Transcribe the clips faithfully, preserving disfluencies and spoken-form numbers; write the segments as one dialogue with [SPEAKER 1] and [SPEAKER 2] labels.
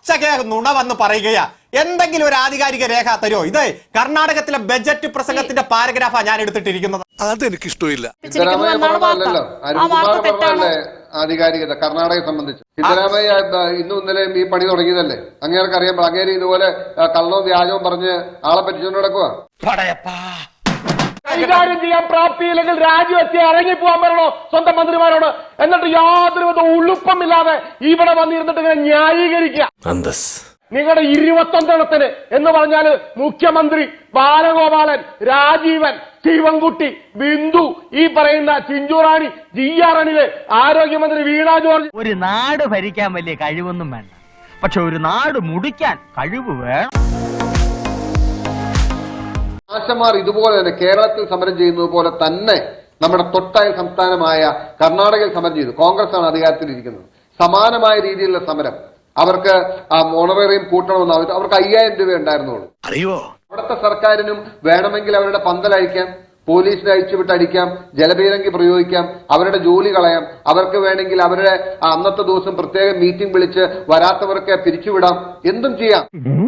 [SPEAKER 1] പച്ചകെ നുണ വന്ന് പറയുകയാ. എന്തെങ്കിലും ഒരു ആധികാരിക രേഖ തരുമോ? ഇത് കർണാടകത്തിലെ ബജറ്റ് പ്രസംഗത്തിന്റെ പാരഗ്രാഫാ ഞാൻ എടുത്തിട്ടിരിക്കുന്നത്.
[SPEAKER 2] അതെനിക്ക് ഇഷ്ടമില്ല.
[SPEAKER 3] ആധികാരികത കർണാടകയെ സംബന്ധിച്ച് സിദ്ധരാമയ്യ ഇന്നും ഇന്നലെയും ഈ പണി തുടങ്ങിയതല്ലേ? അങ്ങേർക്ക് അറിയാം. അങ്ങേര് ഇതുപോലെ കള്ളവും വ്യാജവും പറഞ്ഞ് ആളെ പറ്റിച്ചുകൊണ്ട് നടക്കുക.
[SPEAKER 4] കൈകാര്യം ചെയ്യാൻ പ്രാപ്തിയില്ലെങ്കിൽ രാജിവെച്ച് ഇറങ്ങിപ്പോവാൻ പറയണോ സ്വന്തം മന്ത്രിമാരോട്? എന്നിട്ട് യാതൊരു വിധ ഉളുപ്പമില്ലാതെ ഇവിടെ വന്നിരുന്നിട്ട് ഇങ്ങനെ ന്യായീകരിക്കുക. നിങ്ങളുടെ ഇരുപത്തൊന്നെണ്ണത്തിന് എന്ന് പറഞ്ഞാല് മുഖ്യമന്ത്രി ബാലഗോപാലൻ, രാജീവൻ, ശിവൻകുട്ടി, ബിന്ദു, ഈ പറയുന്ന ചിഞ്ചുറാണി, ജി ആർ അണില്, ആരോഗ്യമന്ത്രി വീണ ജോർജ്.
[SPEAKER 5] ഒരു നാട് ഭരിക്കാൻ വലിയ കഴിവൊന്നും വേണ്ട, പക്ഷെ ഒരു നാട് മുടിക്കാൻ കഴിവ് വേണം.
[SPEAKER 3] ആശമാർ ഇതുപോലെ തന്നെ കേരളത്തിൽ സമരം ചെയ്യുന്നത് പോലെ തന്നെ നമ്മുടെ തൊട്ടയൽ സംസ്ഥാനമായ കർണാടകയിൽ സമരം ചെയ്തു. കോൺഗ്രസ് ആണ് അധികാരത്തിലിരിക്കുന്നത്. സമാനമായ രീതിയിലുള്ള സമരം. അവർക്ക് ഓണറേറിയം കൂട്ടണമെന്ന് അവർ അവർക്ക് അയ്യായിരം രൂപ ഉണ്ടായിരുന്നുള്ളൂ. അറിയോ? അവിടുത്തെ സർക്കാരിനും വേണമെങ്കിൽ അവരുടെ പന്തലഴിക്കാം, പോലീസിനെ അഴിച്ചുവിട്ട് അടിക്കാം, ജലപീരങ്കി പ്രയോഗിക്കാം, അവരുടെ ജോലി കളയാം. അവർക്ക് വേണമെങ്കിൽ അവരുടെ അന്നത്തെ ദിവസം പ്രത്യേക മീറ്റിംഗ് വിളിച്ച് വരാത്തവർക്ക് പിരിച്ചുവിടാം. എന്തും ചെയ്യാം.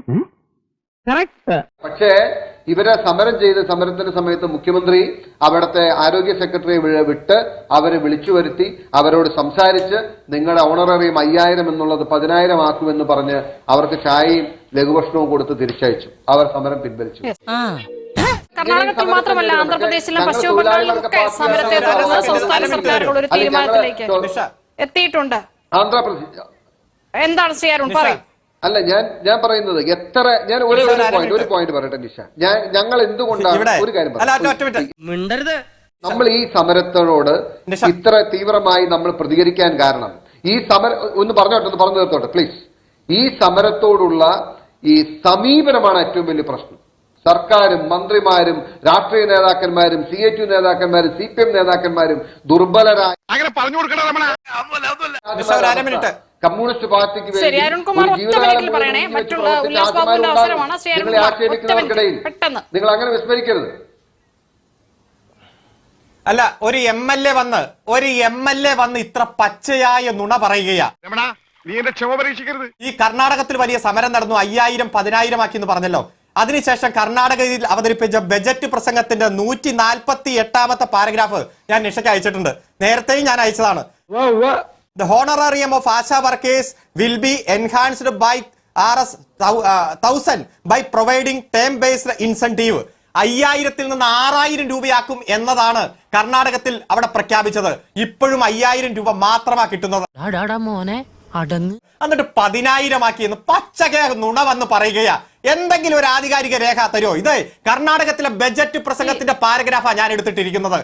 [SPEAKER 3] പക്ഷേ ഇവരെ സമരം ചെയ്ത് സമരത്തിന്റെ സമയത്ത് മുഖ്യമന്ത്രി അവിടുത്തെ ആരോഗ്യ സെക്രട്ടറിയെ വിട്ട് അവരെ വിളിച്ചു വരുത്തി അവരോട് സംസാരിച്ച് നിങ്ങളുടെ ഓണറേറിയം അയ്യായിരം എന്നുള്ളത് പതിനായിരം ആക്കുമെന്ന് പറഞ്ഞ് അവർക്ക് ചായയും ലഘുഭക്ഷണവും കൊടുത്ത് തിരിച്ചയച്ചു. അവർ സമരം പിൻവലിച്ചു.
[SPEAKER 6] കർണാടകത്തിൽ മാത്രമല്ല ആന്ധ്രാപ്രദേശിലും പശ്ചിമ ബംഗാളിലും ഒക്കെ സമരത്തെ തുടർന്ന് സംസ്ഥാന സർക്കാരുകൾ ഒരു തീരുമാനത്തിലേക്ക് എത്തിയിട്ടുണ്ട്.
[SPEAKER 3] ആന്ധ്രാപ്രദേശ്
[SPEAKER 6] എന്താണ് ശ്രീ അരുൺ പറയും?
[SPEAKER 3] അല്ല, ഞാൻ ഞാൻ പറയുന്നത് എത്ര ഞാൻ ഒരു പോയിന്റ് ഒരു പോയിന്റ് പറയട്ടെ നിഷ. ഞാൻ ഞങ്ങൾ എന്തുകൊണ്ടാണ് ഒരു കാര്യം പറയുന്നത്, നമ്മൾ ഈ സമരത്തോട് ഇത്ര തീവ്രമായി നമ്മൾ പ്രതികരിക്കാൻ കാരണം ഈ സമരം ഒന്ന് പറഞ്ഞോട്ടെ ഒന്ന് പറഞ്ഞു തീർത്തോട്ടെ പ്ലീസ്. ഈ സമരത്തോടുള്ള ഈ സമീപനമാണ് ഏറ്റവും വലിയ പ്രശ്നം. സർക്കാരും മന്ത്രിമാരും രാഷ്ട്രീയ നേതാക്കന്മാരും സി എ ടി യു നേതാക്കന്മാരും സി പി എം നേതാക്കന്മാരും ദുർബലരായ കമ്മ്യൂണിസ്റ്റ് പാർട്ടിക്ക് വേണ്ടി ആക്ഷേപിക്കുന്നവർക്കിടയിൽ നിങ്ങൾ അങ്ങനെ വിസ്മരിക്കരുത്.
[SPEAKER 1] അല്ല, ഒരു എം എൽ എ വന്ന് ഒരു എം എൽ എ വന്ന് ഇത്ര പച്ചയായ നുണ പറയുകയാ. ഈ കർണാടകത്തിൽ വലിയ സമരം നടന്നു, അയ്യായിരം പതിനായിരം ആക്കി എന്ന് പറഞ്ഞല്ലോ. അതിനുശേഷം കർണാടകയിൽ അവതരിപ്പിച്ച ബജറ്റ് പ്രസംഗത്തിന്റെ നൂറ്റി നാൽപ്പത്തി എട്ടാമത്തെ പാരഗ്രാഫ് ഞാൻ നിഷയ്ക്ക് അയച്ചിട്ടുണ്ട്. നേരത്തെയും ഞാൻ അയച്ചതാണ്. The honorarium of ASHA workers will be enhanced by R S thousand by providing term-based incentive. അയ്യായിരത്തിൽ നിന്ന് ആറായിരം രൂപയാക്കും എന്നതാണ് കർണാടകത്തിൽ അവിടെ പ്രഖ്യാപിച്ചത്. ഇപ്പോഴും അയ്യായിരം രൂപ മാത്രമാ കിട്ടുന്നത്. എന്നിട്ട് പതിനായിരം ആക്കിയെന്ന് പച്ചകെ നുണ വന്ന് പറയുകയാ. എന്തെങ്കിലും ഒരു ആധികാരിക രേഖ തരുമോ? ഇത് കർണാടകത്തിലെ ബജറ്റ് പ്രസംഗത്തിന്റെ പാരഗ്രാഫാ ഞാൻ എടുത്തിട്ടിരിക്കുന്നത്.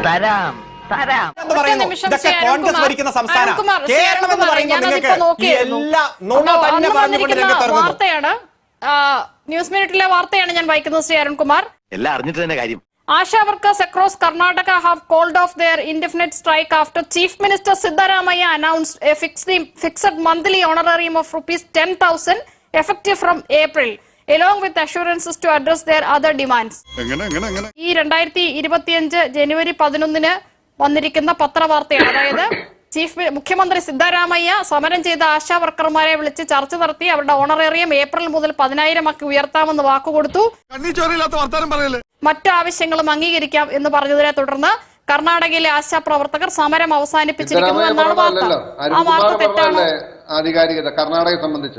[SPEAKER 1] കോൺഗ്രസ് ഭരിക്കുന്ന സംസ്ഥാനം കേരളം എന്ന് പറയുമ്പോൾ നിങ്ങൾക്ക് എല്ലാ നുണ തന്നെ പറഞ്ഞുകൊണ്ട് രംഗത്ത്
[SPEAKER 6] വാർത്തയാണ്, ന്യൂസ് മിനിറ്റിലെ വാർത്തയാണ് ഞാൻ വായിക്കുന്നത്. ശ്രീ അരുൺകുമാർ,
[SPEAKER 7] എല്ലാം അറിഞ്ഞിട്ട് തന്നെ കാര്യം.
[SPEAKER 6] Asha workers across Karnataka have called off their indefinite strike after Chief Minister Siddaramaiah announced a fixed, fixed monthly honorarium of rupees ten thousand effective from April, along with assurances to address their other demands. ഈ രണ്ടായിരത്തി ഇരുപത്തിയഞ്ച് ജനുവരി പതിനൊന്നിന് വന്നിരിക്കുന്ന പത്രവാർത്തയാണ്. അതായത് chief മുഖ്യമന്ത്രി സിദ്ധരാമയ്യ സമരം ചെയ്ത ആശാ വർക്കർമാരെ വിളിച്ച് ചർച്ച നടത്തി അവരുടെ ഓണറേറിയം ഏപ്രിൽ മുതൽ പതിനായിരം ആക്കി ഉയർത്താമെന്ന് വാക്കുകൊടുത്തു. മറ്റു ആവശ്യങ്ങളും അംഗീകരിക്കാം എന്ന് പറഞ്ഞതിനെ തുടർന്ന് കർണാടകയിലെ ആശാ പ്രവർത്തകർ സമരം അവസാനിപ്പിച്ചിരിക്കുന്നു എന്നാണ് വാർത്ത. ആ വാർത്ത തെറ്റാണ്.
[SPEAKER 3] ആധികാരികത കർണാടകയെ സംബന്ധിച്ച്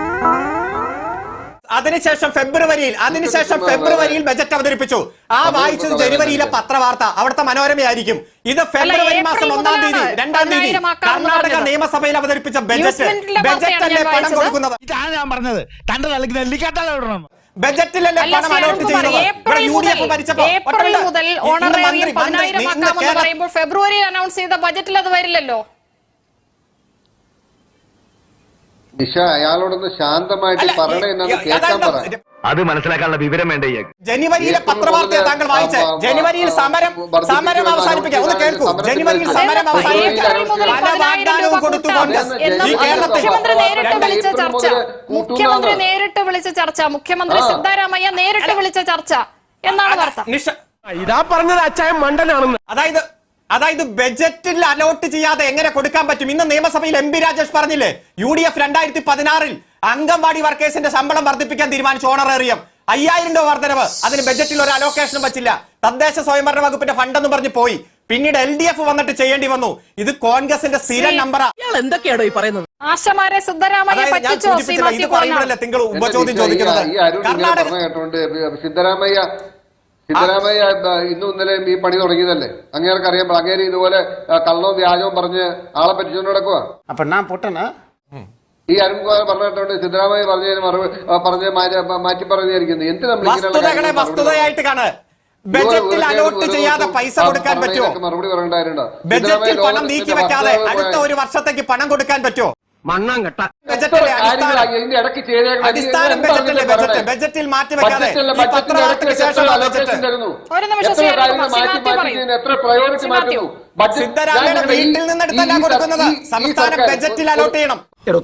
[SPEAKER 1] അതിനുശേഷം ഫെബ്രുവരിയിൽ അതിനുശേഷം ഫെബ്രുവരിയിൽ ബജറ്റ് അവതരിപ്പിച്ചു. ആ വായിച്ചത് ജനുവരിയിലെ പത്രവാർത്ത, അവിടുത്തെ മനോരമയായിരിക്കും. ഇത് ഫെബ്രുവരി മാസം ഒന്നാം തീയതി രണ്ടാം തീയതി കർണാടക നിയമസഭയിൽ അവതരിപ്പിച്ച ബജറ്റ്. ബജറ്റല്ലേ പണം കൊടുക്കുന്നത്? ബജറ്റിലല്ലേ പണം അലോട്ട് ചെയ്യുന്നത്?
[SPEAKER 6] ഏപ്രിൽ മുതൽ ഓണറേറിയം പതിനായിരം ആക്കാമെന്ന് പറയുമ്പോൾ ഫെബ്രുവരിയിൽ അനൗൺസ് ചെയ്ത ബജറ്റിൽ അത് വരില്ലല്ലോ.
[SPEAKER 3] നിഷ, അയാളോടൊന്ന് ശാന്തമായിട്ട് പറയണേ എന്നത് കേൾക്കാൻ പറ.
[SPEAKER 7] അത് മനസ്സിലാക്കാനുള്ള വിവരം വേണ്ടേ?
[SPEAKER 1] ജനുവരിയിലെ പത്രവാർത്തയെ താങ്കൾ വായിച്ചേ. ജനുവരിയിൽ സമരം സമരം അവസാനിപ്പിക്കാം. ഒന്ന് കേൾക്കൂ. ജനുവരിയിൽ സമരം അവസാനിപ്പിക്കാൻ പല വാഗ്ദാനവും കൊടുത്തു കോൺഗ്രസ്. ഈ കേരളത്തിൽ
[SPEAKER 6] മുഖ്യമന്ത്രി നേരിട്ട് വിളിച്ച ചർച്ച മുഖ്യമന്ത്രി നേരിട്ട് വിളിച്ച ചർച്ച മുഖ്യമന്ത്രി സിദ്ധരാമയ്യ നേരിട്ട് വിളിച്ച ചർച്ച എന്നാണ് വാർത്ത.
[SPEAKER 4] ഇതാ പറഞ്ഞത് അച്ചായം മണ്ടനാണെന്ന്.
[SPEAKER 1] അതായത് അതായത് ബജറ്റിൽ അലോട്ട് ചെയ്യാതെ എങ്ങനെ കൊടുക്കാൻ പറ്റും? ഇന്ന് നിയമസഭയിൽ എം പി രാജേഷ് പറഞ്ഞില്ലേ, യു ഡി എഫ് രണ്ടായിരത്തി പതിനാറിൽ അംഗൻവാടി വർക്കേഴ്സിന്റെ ശമ്പളം വർദ്ധിപ്പിക്കാൻ തീരുമാനിച്ചു. ഓണറേറിയം അയ്യായിരം രൂപ വർധനവ്. അതിന് ബജറ്റിൽ ഒരു അലോക്കേഷനും വച്ചില്ല. തദ്ദേശ സ്വയംഭരണ വകുപ്പിന്റെ ഫണ്ടെന്ന് പറഞ്ഞ് പോയി. പിന്നീട് എൽ ഡി എഫ് വന്നിട്ട് ചെയ്യേണ്ടി വന്നു. ഇത് കോൺഗ്രസിന്റെ സ്ഥിരം നമ്പറാ.
[SPEAKER 2] എന്തൊക്കെയാണോ ഈ പറയുന്നത്?
[SPEAKER 6] ആശമാരെ സിദ്ധരാമയ്യ പറ്റിച്ചോ?
[SPEAKER 1] ഇത് പറയുമ്പോഴല്ലേ നിങ്ങൾ ഉപചോദ്യം ചോദിക്കുന്നത്? കർണാടക
[SPEAKER 3] കേട്ടോണ്ട് സിദ്ധരാമയ്യ സിദ്ധരാമയ്യ ഇന്നും ഇന്നലെയും ഈ പണി തുടങ്ങിയതല്ലേ? അങ്ങേർക്ക് അറിയാം. അങ്ങേര് ഇതുപോലെ കള്ളവും വ്യാജവും പറഞ്ഞ് ആളെ പറ്റിച്ചുകൊണ്ട് നടക്കുക.
[SPEAKER 8] അപ്പൊ ഞാൻ പൊട്ടനാ?
[SPEAKER 3] ഈ അരുൺകുമാർ പറഞ്ഞിട്ടുണ്ട് സിദ്ധരാമയ്യ പറഞ്ഞതിന് മറുപടി പറഞ്ഞ് മാറ്റി പറഞ്ഞിരിക്കുന്നത്. എന്തിനാ
[SPEAKER 1] വസ്തുതകളെ വസ്തുതയായിട്ട് കാണുക. ബജറ്റിൽ അലോട്ട് ചെയ്യാതെ പൈസ കൊടുക്കാൻ പറ്റുമോ?
[SPEAKER 3] മറുപടി പറയണ്ടായിരുന്നു.
[SPEAKER 1] ബജറ്റിൽ പണം നീക്കി വെക്കാതെ അടുത്ത ഒരു വർഷത്തേക്ക് പണം കൊടുക്കാൻ പറ്റുമോ?
[SPEAKER 7] മണ്ണാങ്കട്ട
[SPEAKER 1] ബജറ്റിലെ അടിസ്ഥാനം ബജറ്റിലെ ബജറ്റ് ബജറ്റിൽ മാറ്റി വെക്കാതെ ഈ പത്രവാർത്തയ്ക്ക് ശേഷമുള്ള ബജറ്റ് സിദ്ധരാമയ്യയുടെ വീട്ടിൽ നിന്നെടുത്തല്ല കൊടുക്കുന്നത്. സംസ്ഥാനം ബജറ്റിൽ അലോട്ട് ചെയ്യണം.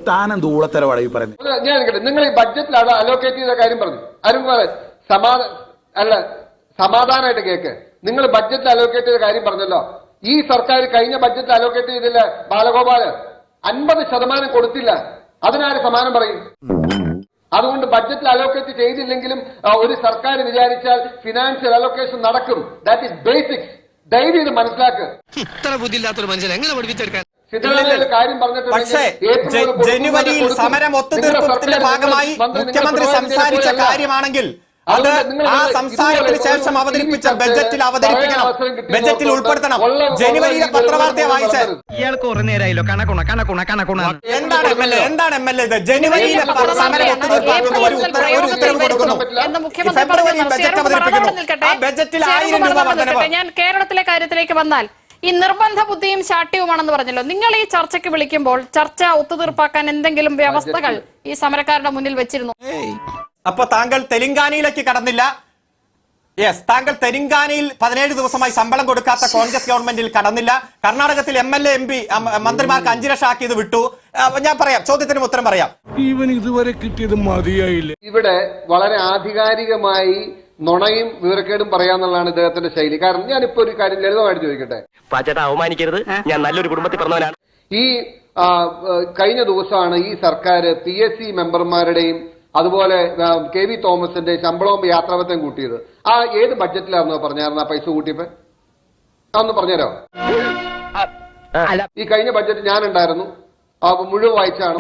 [SPEAKER 3] ഞാൻ നിങ്ങൾ ഈ ബഡ്ജറ്റിൽ അലോക്കേറ്റ് ചെയ്ത കാര്യം പറഞ്ഞു. അരുൺകുമാർ സമാധാന അല്ല സമാധാനമായിട്ട് കേക്ക്. നിങ്ങൾ ബഡ്ജറ്റിൽ അലോക്കേറ്റ് ചെയ്ത കാര്യം പറഞ്ഞല്ലോ. ഈ സർക്കാർ കഴിഞ്ഞ ബഡ്ജറ്റിൽ അലോക്കേറ്റ് ചെയ്തില്ല. ബാലഗോപാല് അൻപത് ശതമാനം കൊടുത്തില്ല. അതിനാര് സമാനം പറയും? അതുകൊണ്ട് ബഡ്ജറ്റിൽ അലോക്കേറ്റ് ചെയ്തില്ലെങ്കിലും ഒരു സർക്കാർ വിചാരിച്ചാൽ ഫിനാൻഷ്യൽ അലോക്കേഷൻ നടക്കും. That is basics. ദയവ് ഇത് മനസ്സിലാക്കുക.
[SPEAKER 7] ഇത്ര ബുദ്ധിയില്ലാത്തൊരു മനുഷ്യൻ എങ്ങനെ പഠിപ്പിച്ചെടുക്കാൻ?
[SPEAKER 3] കാര്യം
[SPEAKER 1] പക്ഷേ ജനുവരിയിൽ സമരം ഒത്തുതീർപ്പത്തിന്റെ ഭാഗമായി മുഖ്യമന്ത്രി സംസാരിച്ച കാര്യമാണെങ്കിൽ അത് ആ സംസാരത്തിന് ശേഷം അവതരിപ്പിച്ച ബജറ്റിൽ അവതരിപ്പിക്കണം. ബജറ്റിൽ ഉൾപ്പെടുത്തണം. ജനുവരിയിലെ പത്രവാർത്തയെ വായിച്ചത്
[SPEAKER 5] ഇയാൾക്ക് കുറെ നേരമായല്ലോ കണക്കുണ കണക്കുണ കണക്കുണ.
[SPEAKER 1] എന്താണ് എം എൽ എ എന്താണ് എം എൽ എ ഇത്? ജനുവരിയിലെ സമരം ഒത്തുതീർപ്പാക്കുന്ന ഒരു ഉത്തരവ് കൊടുക്കുന്നു. ഫെബ്രുവരിയിൽ ബജറ്റ് അവതരിപ്പിക്കുന്നു. ആ ബജറ്റിൽ ആയിരം രൂപ വർധനവ്.
[SPEAKER 6] ഞാൻ കേരളത്തിലെ കാര്യത്തിലേക്ക് വന്നാൽ ഈ നിർബന്ധ ബുദ്ധിയും ശാഠ്യവുമാണെന്ന് പറഞ്ഞല്ലോ. നിങ്ങൾ ഈ ചർച്ചയ്ക്ക് വിളിക്കുമ്പോൾ ചർച്ച ഒത്തുതീർപ്പാക്കാൻ എന്തെങ്കിലും വ്യവസ്ഥകൾ ഈ സമരക്കാരുടെ മുന്നിൽ വെച്ചിരുന്നു?
[SPEAKER 1] അപ്പൊ താങ്കൾ തെലങ്കാനയിലേക്ക് കടന്നില്ല. യെസ്, താങ്കൾ തെലങ്കാനയിൽ പതിനേഴ് ദിവസമായി ശമ്പളം കൊടുക്കാത്ത കോൺഗ്രസ് ഗവൺമെന്റിൽ കടന്നില്ല. കർണാടകത്തിൽ M L A M P മന്ത്രിമാർക്ക് അഞ്ചു ലക്ഷം ആക്കിയത് വിട്ടു. ഞാൻ പറയാം, ചോദ്യത്തിന് ഉത്തരം പറയാം.
[SPEAKER 9] ഇവൻ ഇതുവരെ കിട്ടിയത് മതിയായില്ല.
[SPEAKER 3] ഇവിടെ വളരെ ആധികാരികമായി നുണയും വിവരക്കേടും പറയാന്നുള്ളതാണ് ഇദ്ദേഹത്തിന്റെ ശൈലി. കാരണം ഞാനിപ്പോ ഒരു കാര്യം ലളിതമായിട്ട് ചോദിക്കട്ടെ.
[SPEAKER 7] പാച്ചേട്ടാ അവമാനിക്കരുത്, ഞാൻ നല്ലൊരു കുടുംബത്തിൽ പറഞ്ഞവനാണ്.
[SPEAKER 3] ഈ കഴിഞ്ഞ ദിവസമാണ് ഈ സർക്കാർ പി എസ് സി മെമ്പർമാരുടെയും അതുപോലെ കെ വി തോമസിന്റെ ശമ്പളവും യാത്രാപത്യം കൂട്ടിയത്. ആ ഏത് ബഡ്ജറ്റിലായിരുന്നു പറഞ്ഞായിരുന്നു ആ പൈസ കൂട്ടിയപ്പോ? അതൊന്ന് പറഞ്ഞുതരോ? ഈ കഴിഞ്ഞ ബഡ്ജറ്റ് ഞാൻ ഉണ്ടായിരുന്നു, മുഴുവൻ വായിച്ചാണ്.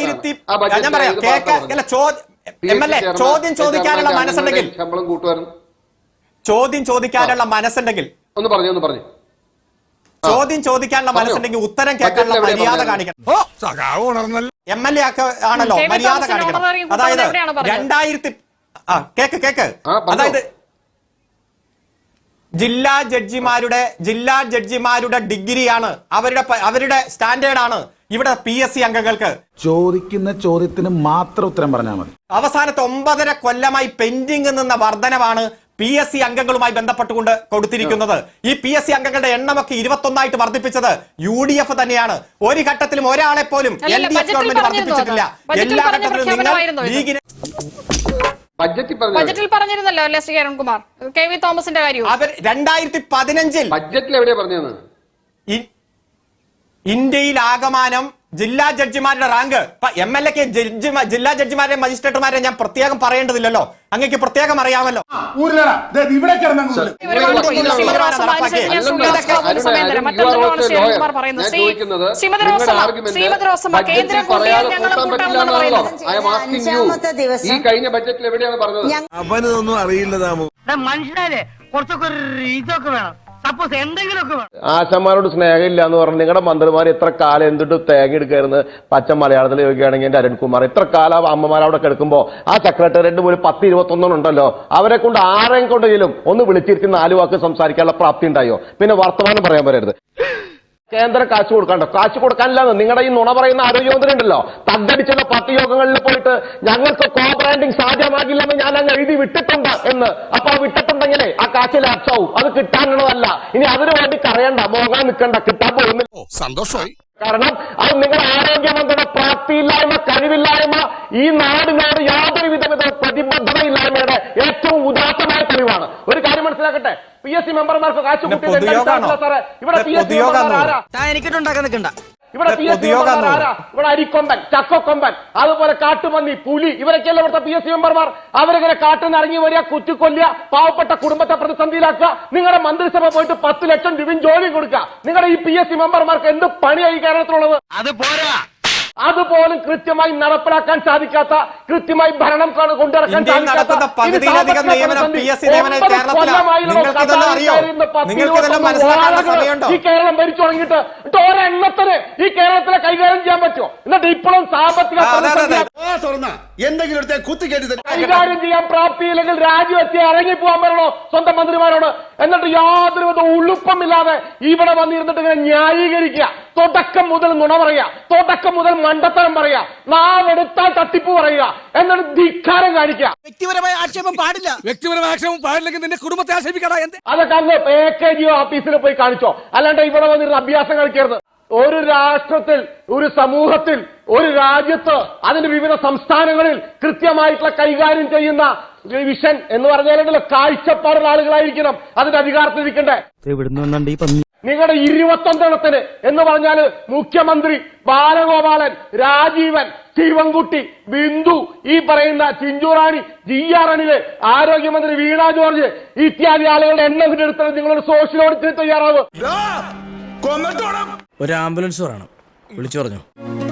[SPEAKER 1] ചോദ്യം ചോദിക്കാനുള്ള മനസ്സുണ്ടെങ്കിൽ
[SPEAKER 3] ശമ്പളം കൂട്ടുമായിരുന്നു.
[SPEAKER 1] ചോദ്യം ചോദിക്കാനുള്ള മനസ്സുണ്ടെങ്കിൽ
[SPEAKER 3] ഒന്ന് പറഞ്ഞു ഒന്ന് പറഞ്ഞു
[SPEAKER 1] ചോദ്യം ചോദിക്കാനുള്ള മനസ്സുണ്ടെങ്കിൽ ഉത്തരം കേൾക്കാനുള്ള മര്യാദ കാണിക്കണം. എം എൽ എ ഒക്കെ ആണല്ലോ, മര്യാദ കാണിക്കണം. അതായത് രണ്ടായിരത്തി ആ കേക്ക് കേക്ക് അതായത് ജില്ലാ ജഡ്ജിമാരുടെ ജില്ലാ ജഡ്ജിമാരുടെ ഡിഗ്രിയാണ് അവരുടെ അവരുടെ സ്റ്റാൻഡേർഡാണ് ഇവിടെ പി എസ് സി അംഗങ്ങൾക്ക്.
[SPEAKER 9] ചോദിക്കുന്ന ചോദ്യത്തിന് മാത്രം ഉത്തരം പറഞ്ഞാൽ മതി.
[SPEAKER 1] അവസാനത്തെ ഒമ്പതര കൊല്ലമായി പെൻഡിംഗ് നിന്ന വർധനവാണ് പി എസ് സി അംഗങ്ങളുമായി ബന്ധപ്പെട്ടുകൊണ്ട് കൊടുത്തിരിക്കുന്നത്. ഈ പി എസ് സി അംഗങ്ങളുടെ എണ്ണമൊക്കെ ഇരുപത്തൊന്നായിട്ട് വർദ്ധിപ്പിച്ചത് യു ഡി എഫ് തന്നെയാണ്. ഒരു ഘട്ടത്തിലും ഒരാളെ പോലും എൽ ഡി എഫ് ഗവൺമെന്റ് വർദ്ധിപ്പിച്ചിട്ടില്ല. എല്ലാ ഘട്ടത്തിലും നിങ്ങൾ ലീഗിന്
[SPEAKER 6] ബജറ്റിൽ പറഞ്ഞിരുന്നല്ലോ അല്ലേ ശ്രീ അരുൺകുമാർ? കെ വി തോമസിന്റെ കാര്യം
[SPEAKER 1] അവർ രണ്ടായിരത്തി പതിനഞ്ചിൽ
[SPEAKER 3] ബജറ്റിൽ എവിടെയാ പറഞ്ഞത്?
[SPEAKER 1] ഇന്ത്യയിൽ ആകമാനം ജില്ലാ ജഡ്ജിമാരുടെ റാങ്ക് എം എൽ എക്ക് ജില്ലാ ജഡ്ജിമാരെ മജിസ്ട്രേറ്റുമാരെ ഞാൻ പ്രത്യേകം പറയേണ്ടതില്ലല്ലോ, അങ്ങക്ക് പ്രത്യേകം അറിയാമല്ലോ.
[SPEAKER 3] ഈ കഴിഞ്ഞ ബഡ്ജറ്റിൽ എവിടെയാണ് പറഞ്ഞത്?
[SPEAKER 9] അവനൊന്നും അറിയില്ല.
[SPEAKER 5] മനുഷ്യരെ കുറച്ചൊക്കെ ഇതൊക്കെ വേണം. സപ്പോസ് എന്തെങ്കിലുമൊക്കെ വേണം.
[SPEAKER 4] ആശന്മാരോട് സ്നേഹമില്ല എന്ന് പറഞ്ഞ് നിങ്ങളുടെ മന്ത്രിമാർ എത്ര കാലം എന്തിട്ട് തേങ്ങ എടുക്കായിരുന്നു? പച്ച മലയാളത്തിൽ ചോദിക്കുകയാണെങ്കിൽ എന്റെ അരുൺകുമാർ എത്ര കാലം അമ്മമാർ അവിടെ കിടക്കുമ്പോ ആ സെക്രട്ടേറിയറ്റ് ഒരു പത്ത് ഇരുപത്തൊന്നും ഉണ്ടല്ലോ, അവരെ കൊണ്ട് ആരെയും കൊണ്ടെങ്കിലും ഒന്ന് വിളിച്ചിരുത്തി നാല് വാക്ക് സംസാരിക്കാനുള്ള പ്രാപ്തി ഉണ്ടായോ? പിന്നെ വർത്തമാനം പറയാൻ പറയരുത്. കേന്ദ്രം കാശ് കൊടുക്കണ്ടോ? കാശ് കൊടുക്കാനില്ലാന്ന് നിങ്ങളുടെ ഈ നുണ പറയുന്ന ആരോഗ്യമന്ത്രി ഉണ്ടല്ലോ, തగ్గടിച്ചുള്ള പാർട്ടി യോഗങ്ങളിൽ പോയിട്ട് ഞങ്ങൾക്ക് കോ ബ്രാൻഡിങ് സാധ്യമാകില്ലെന്ന് ഞാൻ അങ്ങ് എഴുതി വിട്ടിട്ടുണ്ട് എന്ന്. അപ്പൊ ആ വിട്ടിട്ടുണ്ടെങ്കിലേ ആ കാശിൽ അർച്ചാവും. അത് കിട്ടാനുള്ളതല്ല. ഇനി അതിനു വേണ്ടി കരയണ്ട, മോങ്ങാൻ നിൽക്കണ്ട, കിട്ടാൻ പോകുന്നില്ല.
[SPEAKER 9] സന്തോഷമായി.
[SPEAKER 4] കാരണം അത് നിങ്ങളുടെ ആരോഗ്യമന്ത്രിയുടെ പ്രാപ്തിയില്ലായ്മ, കഴിവില്ലായ്മ, ഈ നാടിനോട് യാതൊരു വിധ പ്രതിബദ്ധതയില്ലായ്മയുടെ ഏറ്റവും ഉദാത്തമായ തെളിവാണ്. ഒരു കാര്യം മനസ്സിലാക്കട്ടെ, പി എസ് സി മെമ്പർമാർക്ക് കാശ് കൂട്ടി ഇവിടെ പി എസ് സി
[SPEAKER 5] എനിക്കിട്ടുണ്ടാക്കാൻ നിൽക്കണ്ട.
[SPEAKER 4] ഇവിടെ പി എസ് സി മെമ്പർമാർ ആരാ? ഇവിടെ അരിക്കൊമ്പൻ, ചക്കക്കൊമ്പൻ, അതുപോലെ കാട്ടുപന്നി, പുലി, ഇവരൊക്കെയല്ല ഇവിടുത്തെ പി എസ് സി മെമ്പർമാർ. അവരിങ്ങനെ കാട്ടിൽ ഇറങ്ങി വരിക, കുറ്റിക്കൊല്ലുക, പാവപ്പെട്ട കുടുംബത്തെ പ്രതിസന്ധിയിലാക്കുക. നിങ്ങളുടെ മന്ത്രിസഭ പോയിട്ട് പത്ത് ലക്ഷം രൂപയും ജോലി കൊടുക്കുക. നിങ്ങളുടെ ഈ പി എസ് സി മെമ്പർമാർക്ക് എന്ത് പണിയായി കേരളത്തിലുള്ളത്?
[SPEAKER 5] അത് പോരാ.
[SPEAKER 4] അതുപോലും കൃത്യമായി നടപ്പിലാക്കാൻ സാധിക്കാത്ത, കൃത്യമായി ഭരണം കൊണ്ടിറക്കാൻ സാധിക്കാത്ത ഈ കേരളം ഭരിച്ചു തുടങ്ങിയിട്ട് ഒരെണ്ണത്തിന് ഈ കേരളത്തിലെ കൈകാര്യം ചെയ്യാൻ പറ്റുമോ? എന്നിട്ട് ഇപ്പോഴും സാമ്പത്തിക കൈകാര്യം ചെയ്യാൻ പ്രാപ്തിയില്ലെങ്കിൽ രാജിവെച്ച് ഇറങ്ങിപ്പോവാൻ പറയണോ സ്വന്തം മന്ത്രിമാരോട്? എന്നിട്ട് യാതൊരു വിധ ഉളുപ്പമില്ലാതെ ഇവിടെ വന്നിരുന്നിട്ട് ഇങ്ങനെ ന്യായീകരിക്കുക, തുടക്കം മുതൽ നുണ പറയുക, തുടക്കം മുതൽ മണ്ടത്തരം പറയുക, നാവെടുത്താൽ തട്ടിപ്പ് പറയുക, എന്നിട്ട് ധിക്കാരം കാണിക്കുക.
[SPEAKER 2] വ്യക്തിപരമായ ആക്ഷേപം പാടില്ല. വ്യക്തിപരമായ ആക്ഷേപം പാടില്ലെങ്കിൽ നിന്റെ കുടുംബത്തെ ആക്ഷേപിക്കടാ.
[SPEAKER 4] അതൊക്കെ അന്ന് എ കെ ജി ഓഫീസിൽ പോയി കാണിച്ചോ, അല്ലാണ്ട് ഇവിടെ വന്നിരുന്ന അഭ്യാസം കളിക്കരുത്. ഒരു രാഷ്ട്രത്തിൽ, ഒരു സമൂഹത്തിൽ, ഒരു രാജ്യത്ത്, അതിന്റെ വിവിധ സംസ്ഥാനങ്ങളിൽ കൃത്യമായിട്ടുള്ള കൈകാര്യം ചെയ്യുന്ന വിഷൻ എന്ന് പറഞ്ഞാൽ കാഴ്ചപ്പാടുള്ള ആളുകളായിരിക്കണം അതിന്റെ അധികാരത്തിലിരിക്കണ്ടേ. നിങ്ങളുടെ ഇരുപത്തൊന്നെണ്ണത്തിന് എന്ന് പറഞ്ഞാല് മുഖ്യമന്ത്രി, ബാലഗോപാലൻ, രാജീവൻ, ശിവൻകുട്ടി, ബിന്ദു, ഈ പറയുന്ന ചിഞ്ചുറാണി, ജി ആർ അനില്, ആരോഗ്യമന്ത്രി വീണ ജോർജ് ഇത്യാദി ആളുകളുടെ എണ്ണം എടുത്തത് നിങ്ങളൊരു സോഷ്യൽ ഓഡിറ്റിന് തയ്യാറാവും.
[SPEAKER 2] ഒരു ആംബുലൻസ് പറയണം, വിളിച്ചു പറഞ്ഞു.